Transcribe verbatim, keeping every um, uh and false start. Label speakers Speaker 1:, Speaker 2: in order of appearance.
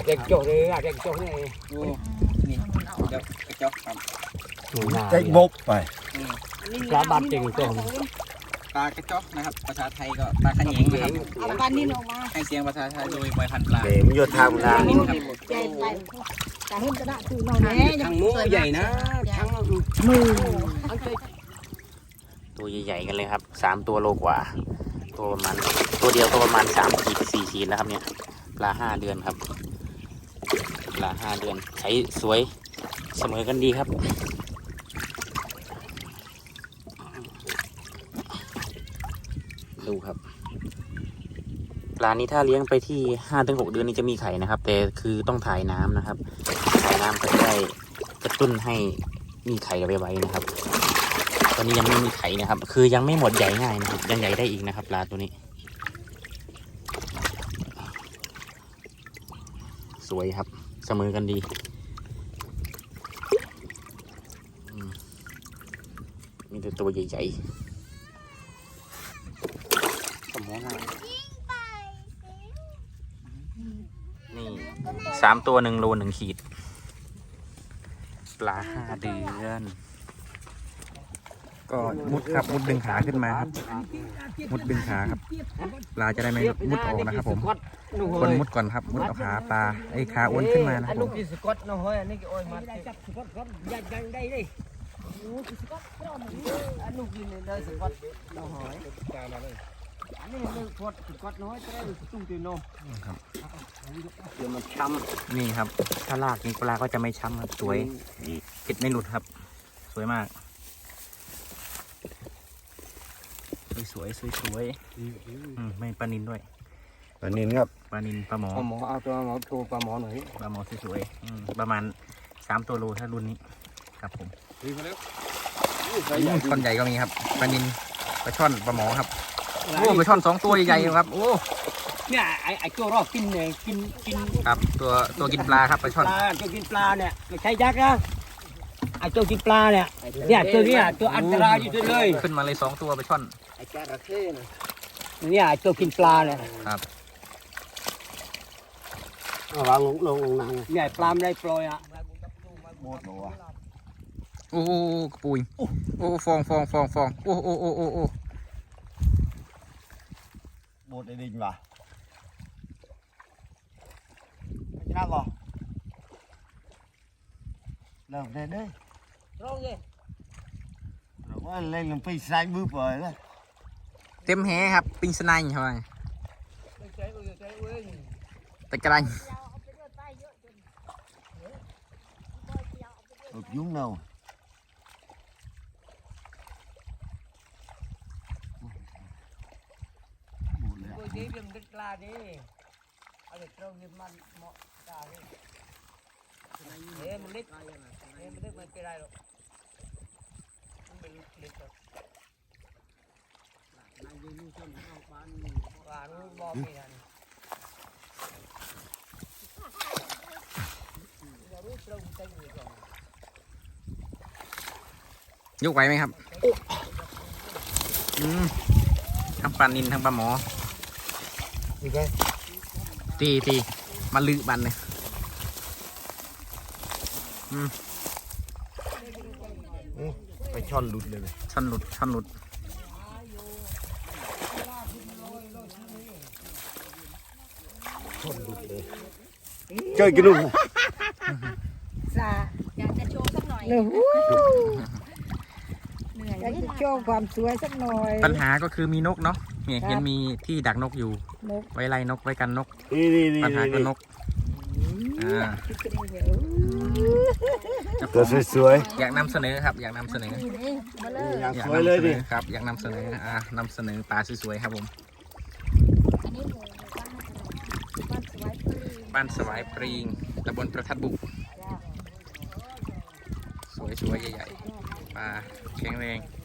Speaker 1: เด็กโจ้เลยเด็กโจ้นี่นี่เด็กโจ้ครับ
Speaker 2: ใจบกไป
Speaker 1: ปลาบาดจริงตัวปลากระจอกนะครับภาษาไทยก็ปลาขะเหยงนะครับเอาปลานิ่นออกมาให้เสียงภาษาไทยโดยใบพันปลา
Speaker 2: เดี๋ยวมันโยธามันนะ
Speaker 1: ทั้งมือใหญ่นะทั้งมือตัวใหญ่ๆกันเลยครับสามตัวโลกว่าตัวประมาณตัวเดียวก็ประมาณสามขีดสี่ขีดแล้วครับเนี่ยปลาห้าเดือนครับปลาห้าเดือนใช้สวยเสมอกันดีครับดูครับปลานี้ถ้าเลี้ยงไปที่ห้าถึงหกเดือนนี้จะมีไข่นะครับแต่คือต้องถ่ายน้ำนะครับถ่ายน้ำก็จะได้กระตุ้นให้มีไข่ไวๆนะครับตอนนี้ยังไม่มีไข่นะครับคือยังไม่หมดใหญ่ง่ายนะครับยังใหญ่ได้อีกนะครับปลาตัวนี้สวยครับเสมอกันดีมีแต่ตัวใหญ่ๆสมองหน้านี่สามตัวหนึ่งโลหนึ่งขีดปลาห้าเดือนก็มุดครับมุดดึงขาขึ้นมาครับมุดดึงขาครับปลาจะได้ไม่มุดออกนะครับผมคนมุดก่อนครับมุดเอาขาปลาไอ้ขาอ้วนขึ้นมานะครับผมอันนู้นกินเลยสกัดเราหอยอันนี้เลยพอดสกัดน้อยจะได้ตุ้งตีนมครับเดี๋ยวมันช้ำนี่ครับถ้าลากนี่ปลาก็จะไม่ช้ำครับสวยเก็ดไม่หลุดครับสวยมากสวยสวยสวยไม่ปลานินด้วย
Speaker 2: ปลานินครับ
Speaker 1: ปลานินปลาหมอปลาหมอเอาตัวหมอโชว์ปลาหมอหน่อยปลาหมอสวยๆประมาณสามตัวโลถ้ารุ่นนี้ครับผมคนใหญ่ก็มีครับปลานินปลาช่อนปลาหมอครับโอ้ปลาช่อนสองตัวใหญ่ๆครับโอ้เนี่ยไอไอตัวรอบกินเนี่ยกินกินครับตัวตัวกินปลาครับปลาช่อนตัวกินปลาเนี่ยไม่ใช่ยักษ์นะไอตัวกินปลาเนี่ยเนี่ยตัวนี้ตัวอันตรายอยู่เลยขึ้นมาเลยสองตัวปลาช่อนไอจระเข้เนี่ยไอตัวกินปลาเนี่ยครับเอาวางลงลงลงน้ำเนี่ยปลาไม่ได้ปล่อยอ่ะหมดหัวโอ้โหปุยโอ้ฟองฟองฟองฟองโอ้โอ้โอ้โอ้โอ้
Speaker 2: หมดไอ้ดินว่ะไม่น่าหรอเริ่มเลยดิร้องเลยเราว่าเล่นลงไปใส่มือเปิดเลย
Speaker 1: เต็มแหครับปิงสไนใช่ไหมตะกรัน
Speaker 2: ยุ่งเนา
Speaker 1: ดีเรื่องดึกปลาดิเอาเด็กเราเงินมันเหมาะตาเลยเฮ้ยมันเล็กเฮ้ยมันเล็กมันเป็นไรหรอกมันเป็นเล็กหรอกนายยืนชนเอาบ้านบ้านรู้บอกไม่ทันยกไหวไหมครับอืมทั้งปลานินทั้งปลาหมอตีตีมาลือบันเลย
Speaker 2: ไปช่อนหลุดเลย
Speaker 1: ช่อนหลุดช่อนหลุด
Speaker 2: ช่อนหลุดเลยเจอกี่ลูก
Speaker 3: อยากจะโชว์สักหน่อยอยากจะโชว์ความสวยสักหน่อย
Speaker 1: ปัญหาก็คือมีนกเนาะเนี่ยเห็นมีที่ดักนกอยู่ไว้ไล่นกไว้กันนกปัญหาคือนก
Speaker 2: ตัวสวย
Speaker 1: ๆอยากนำเสนอครับอยากนำเสนอ
Speaker 2: อยากสวยเลยดิ
Speaker 1: ครับอยากนำเสนออ่านำเสนอปลาสวยๆครับผมบ้านสวายปรีงตำบลประทัดบุกสวยๆใหญ่ๆปลาแข็งแรง